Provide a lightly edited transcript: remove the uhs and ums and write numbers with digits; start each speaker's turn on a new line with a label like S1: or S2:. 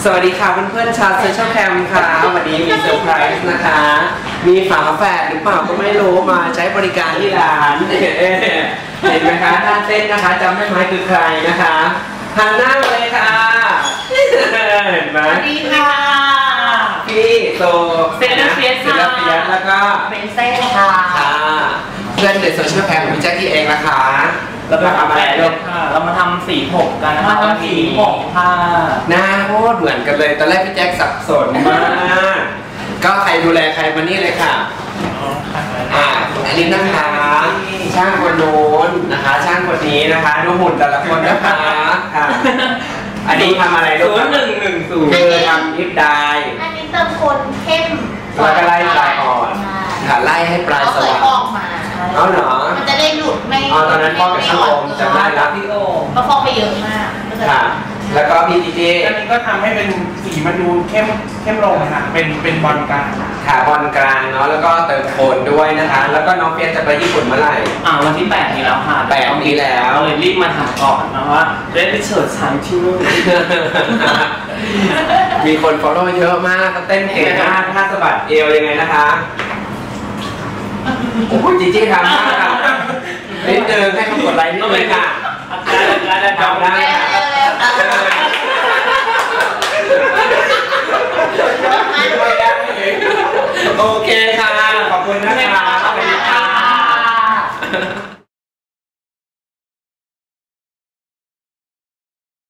S1: สวัสดีค่ะเพื่อนๆชาวโซเชียลแคมค่ะวันนี้มีเซอร์ไพรส์นะคะมีฝาแฝดหรือเปล่าก็ไม่รู้มาใช้บริการที่ร้านเห็นไหมคะท่านเต้นนะคะจำได้ไหมคือใครนะคะหันหน้ามาเลยค่ะเห็นไหม
S2: สวัสดีค่ะ
S1: พี่โซ
S2: เซเลเฟียส
S1: แล้วก็
S2: เป็นเซ่ค่ะ
S1: เพื่อนในโซเชียลแคมของพี่แจ็คกี้เองนะคะ
S3: เราทำอะไรค่ะเรามาทำสีผมกันนะคะทำสีผมค่ะ
S1: หน้าโคตรเหมือนกันเลยตอนแรกพี่แจ็คสับสนมากก็ใครดูแลใครมานี่เลยค่ะอันนี้นะคะช่างคนโน้นนะคะช่างคนนี้นะคะดูหุ่นแต่ละคนนะคะค่ะอันนี้ทำอะไรลูก0110คือทำลิปได้
S2: อันนี้เติมคนเข้ม
S1: แล้วก็ไล่ปลายอ่อนค่ะไล่ให้ปลายสว่าง
S2: ออกมา
S1: เอาเหรอ
S2: มันจะได้หลุดไม่
S1: ตอนนั้นพ่อกับช่างโอมจำได้แล้วพี่โอม
S2: เพราะฟองไปเยอะมาก
S1: ค่ะแล้วก็พี่ดีเจ
S3: อันนี้ก็ทำให้เป็นสีมันดูเข้มลงค่ะเป็นบอลกลาง
S1: ค่ะบอลกลางเนาะแล้วก็เติมโทนด้วยนะคะแล้วก็น้องเปียจะไปญี่ปุ่นเมื่อไหร่
S3: วันที่8นี้แล้วค่ะ
S1: 8นี้แล้ว
S3: เลยรีบมาถามก่อนนะว่าได้ไปเฉิดฉายที่นู่น
S1: มีคน follow เยอะมากเต้นเก่งมากท่าสะบัดเอวยังไงนะคะโอ้โหจีจี้ทำมากค่ะนิดนึงให้เขากดไลค์นิดนึงค่ะ
S3: ได้
S1: ทำได้ค่ะ